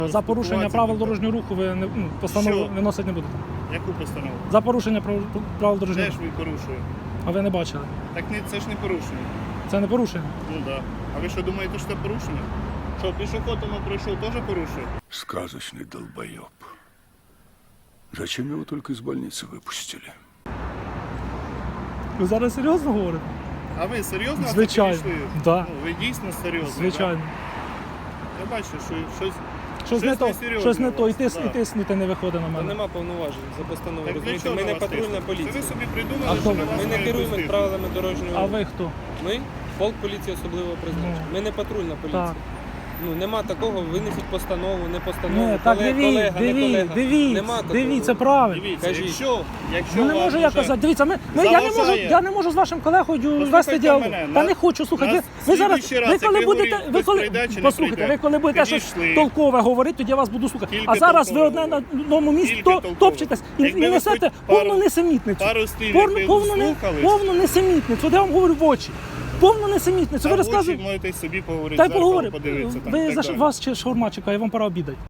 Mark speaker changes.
Speaker 1: За порушення правил дорожнього руху ви постанову виносити не будете.
Speaker 2: Яку постанову?
Speaker 1: За порушення правил дорожнього
Speaker 2: Де ж
Speaker 1: руху.
Speaker 2: ви порушуєте?
Speaker 1: А ви не бачили.
Speaker 2: Так це ж не порушення.
Speaker 1: Це не порушення.
Speaker 2: Ну так. Да. А ви що думаєте, що це порушення? Що, пішоход пройшов, теж порушує?
Speaker 3: Сказочный долбоеб. Зачем его только из больницы выпустили?
Speaker 1: Ви зараз серйозно говорите?
Speaker 2: А ви серйозно
Speaker 1: Звичайно.
Speaker 2: підійшли?
Speaker 1: Да.
Speaker 2: Ну, ви дійсно серйозно,
Speaker 1: Звичайно.
Speaker 2: Да? Я бачу, що щось...
Speaker 1: Щось не то,
Speaker 2: несерйозне
Speaker 1: щось не
Speaker 2: у
Speaker 1: то,
Speaker 2: вас,
Speaker 1: і тиснути не виходить на
Speaker 4: Та
Speaker 1: мене.
Speaker 4: нема повноважень за постанову.
Speaker 2: Так для
Speaker 4: Розумієте,
Speaker 2: чого
Speaker 4: ми
Speaker 2: на
Speaker 4: не
Speaker 2: вас
Speaker 4: патрульна
Speaker 2: тиснуть? Це ви
Speaker 4: поліція.
Speaker 2: собі
Speaker 1: А
Speaker 2: придумали,
Speaker 1: хто
Speaker 2: що на
Speaker 1: ви?
Speaker 2: вас
Speaker 4: Ми не
Speaker 2: мають
Speaker 4: керуємо
Speaker 2: тиснути.
Speaker 4: правилами дорожнього
Speaker 1: А
Speaker 4: руху.
Speaker 1: ви хто?
Speaker 4: Ми полк поліції особливого призначення.
Speaker 1: Ну.
Speaker 4: Ми не патрульна поліція.
Speaker 1: Так.
Speaker 4: Ну нема такого, винесіть постанову, не постанову,
Speaker 1: Ні, так
Speaker 4: колега, не колега. Нема такого.
Speaker 1: дивіться, правильно.
Speaker 2: Дивіться,
Speaker 4: Кажіть.
Speaker 2: якщо
Speaker 1: Ну не
Speaker 2: вас
Speaker 1: можу я
Speaker 2: вже
Speaker 1: казати. Дивіться,
Speaker 2: заважає.
Speaker 1: я не можу з вашим колегою
Speaker 2: Послухайте
Speaker 1: вести діалог.
Speaker 2: мене,
Speaker 1: Та
Speaker 2: на-
Speaker 1: не хочу, слухайте.
Speaker 2: на
Speaker 1: Ви зараз,
Speaker 2: слідуючий раз,
Speaker 1: ви
Speaker 2: як
Speaker 1: коли
Speaker 2: ви
Speaker 1: будете,
Speaker 2: говорите,
Speaker 1: ви
Speaker 2: хтось
Speaker 1: коли,
Speaker 2: прийде чи не
Speaker 1: послухайте,
Speaker 2: прийде,
Speaker 1: ви коли будете щось
Speaker 2: підійшли.
Speaker 1: толкове говорити, тоді я вас буду слухати.
Speaker 2: Тільки
Speaker 1: А зараз ви
Speaker 2: толкове
Speaker 1: одне на одному місці
Speaker 2: Тільки толкове.
Speaker 1: топчетесь і
Speaker 2: Якби ви
Speaker 1: несете
Speaker 2: хоч пару-
Speaker 1: повну несемітницю.
Speaker 2: пару слів, якби слухались.
Speaker 1: Повну несемітницю. От я вам говорю в очі. Повну несемітницю. Ви
Speaker 2: А в очі
Speaker 1: розказуєте.
Speaker 2: можете собі поговорити,
Speaker 1: Та й
Speaker 2: зеркало
Speaker 1: поговоримо.
Speaker 2: подивитися. там, і
Speaker 1: Ви
Speaker 2: так
Speaker 1: за
Speaker 2: далі.
Speaker 1: вас ще шаурма чекає, вам пора обідати.